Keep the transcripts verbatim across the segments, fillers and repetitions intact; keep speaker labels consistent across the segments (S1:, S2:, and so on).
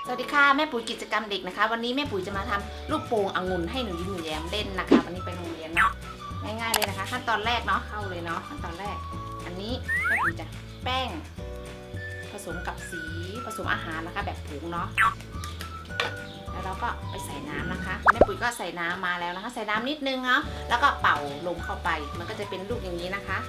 S1: สวัสดีค่ะแม่ปุ๋ยกิจกรรมเด็กนะคะวันนี้แม่ปุ๋ยจะมาทำลูกโป่งองุ่นให้หนูยิ้มหนูแย้มเล่นนะคะวันนี้ไปโรงเรียนเนาะง่ายๆเลยนะคะขั้นตอนแรกเนาะเข้าเลยเนาะขั้นตอนแรกอันนี้แม่ปุ๋ยจะแป้งผสมกับสีผสมอาหารนะคะแบบผงเนาะแล้วเราก็ไปใส่น้ำนะคะแม่ปุ๋ยก็ใส่น้ำมาแล้วนะคะใส่น้ำนิดนึงเนาะแล้วก็เป่าลมเข้าไปมันก็จะเป็นลูกอย่างนี้นะคะ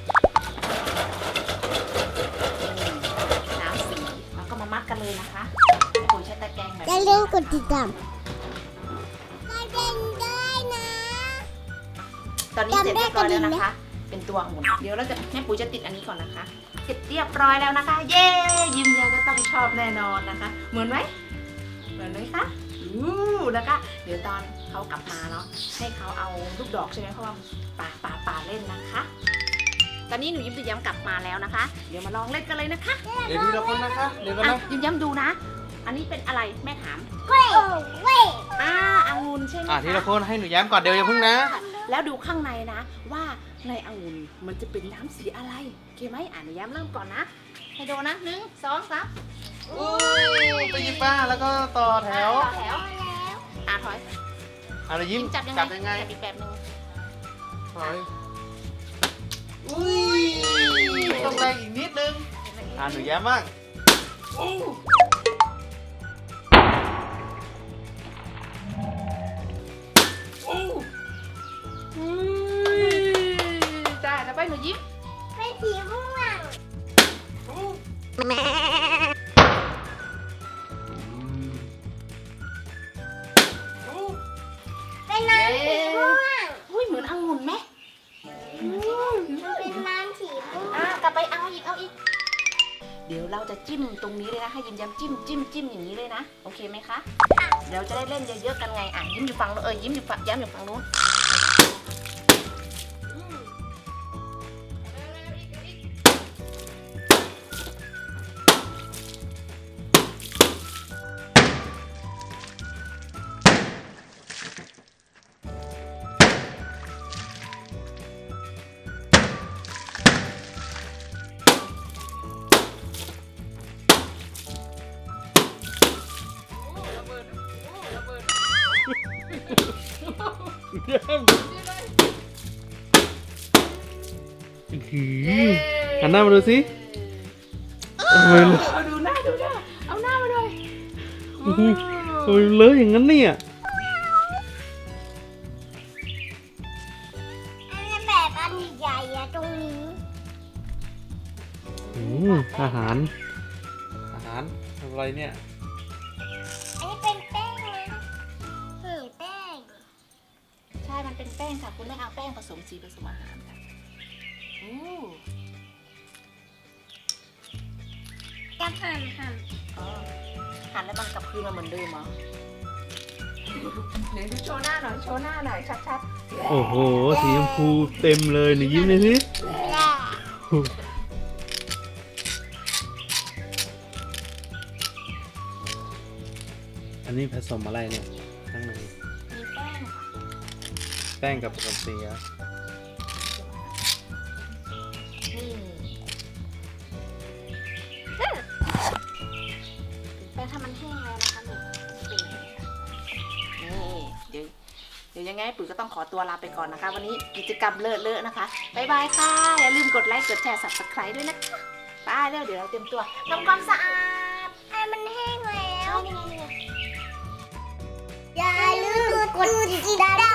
S1: น้ำสีแล้วก็มามัดกันเลยนะคะแม่ปุ๋ยใช้ตะแกรงแบบ
S2: จะเล่นกดติดตามก็เล่นได้นะ
S1: ตอนนี้เสร็จเรียบร้อยแล้วนะคะ เป็นตัวองุ่นเดี๋ยวเราจะแม่ปุ๋ยจะติดอันนี้ก่อนนะคะเสร็จเรียบร้อยแล้วนะคะ เย้ยิ้มแย้มจะต้องชอบแน่นอนนะคะ เหมือนไหมเหมือนไหมคะอู้นะคะเดี๋ยวตอนเขากลับมาเนาะให้เขาเอาลูกดอกใช่ไหมเพราะว่าป่าป่าป่าเล่นนะคะ ตอนนี้หนูยิ้มจะย้ำกลับมาแล้วนะคะ เดี๋ยวมาลองเล่นกันเลยนะคะ
S3: เดี๋ยวทีละคนนะคะเดี๋ยวกัน
S1: อ่ะ
S3: นะ
S1: ยิ้มย้ำดูนะ อันนี้เป็นอะไรแม่ถาม
S2: เว้ยเว้ย
S1: อ่าองุ่นใช่ไหม
S3: อ่ะ
S1: คะ
S3: ทีละคนให้หนูแย้มก่อนเดี๋ยวอย่าเพิ่งนะ
S1: แล้วดูข้างในนะว่าในองุ่นมันจะเป็นน้ำสีอะไรโอเคไหมอ่านย้ำเริ่มก่อนนะให้ดูนะหนึ่งสองสาม
S3: อุ้ยไปหยิบป้าแล้วก็ต่อแถว
S1: ต่อแถวอ่าถอย
S3: อะไรยิ้ม
S1: จับยังไง
S3: จับยังไง
S1: จับอีกแบบหนึง
S3: ถอยอุ้ยต้องแรงอีกนิดนึงอ่ะหนูแย้มบ้างอู้อู้
S1: อุ้ยจ้าจะไปหนูยิ้ม
S2: เป็นสีม่วง
S3: อู้
S2: เป็นน้ำสีม่วง
S1: อุ้ยเหมือนองุ่นไหม
S2: มันเป็นน้ำสีม่วง
S1: อ่ากลับไปเอาอีกเอาอีก เดี๋ยวเราจะจิ้มตรงนี้เลยนะให้ยิ้มย้ำจิ้มจิ้มจิ้มอย่างนี้เลยนะโอเคไหมคะเดี๋ยวจะได้เล่นเยอะๆกันไงอ่ะยิ้มอยู่ฝั่งนู้นเออยิ้มอยู่ฝั่งย้ำอยู่ฝั่งนู้น
S3: แย้มหือหันหน้ามาดูสิทำไม
S1: เอาดูหน้าดูหน้าเอาหน้ามาหน่อย
S3: ทำไมเลอะอย่างนั้นเนี่ย
S2: อันนี้แบบอันใหญ่อะตรงนี้
S3: อืมอาหาร อาหารทำอะไรเนี่ย
S2: อันนี้เป็นแป้งนะหือแป้ง
S1: ใช่มันเป็นแป้งค่ะคุณไม่เอาแป้งผสมสีผสมอาหารค่ะอู้
S2: จะหั่นหั่น
S1: อ๋อหั่นแล้วมันกลับคืนมาเหมือนเดิมเหรอเดี๋ยวโชว์หน้าหน่อยโชว์หน้าหน่อยชัด
S3: โอ้โห สีชมพูเต็มเลยหนูยิ้มเลยสิ
S2: แหละ
S3: อันนี้ผสมอะไรเนี่ยข้างใน
S1: ๆมีแป้งค่ะ
S3: แป้งกับผสมสีอะ
S1: นี่แป้งถ้ามันแห้งแล้วนะคะนี่เป็นอย่างนี้ค่ะนี่เดี๋ยวเดี๋ยวยังไงปุ๋ยก็ต้องขอตัวลาไปก่อนนะคะ วันนี้กิจกรรมเลอะๆนะคะบ๊ายบายค่ะอย่าลืมกดไลค์กดแชร์ ซับสไครบ์ ด้วยนะคะบายแล้วเดี๋ยวเราเตรียมตัวทำความสะอาด
S2: ไอ้มันแห้งแล้วอย่าลืมกดติดตาม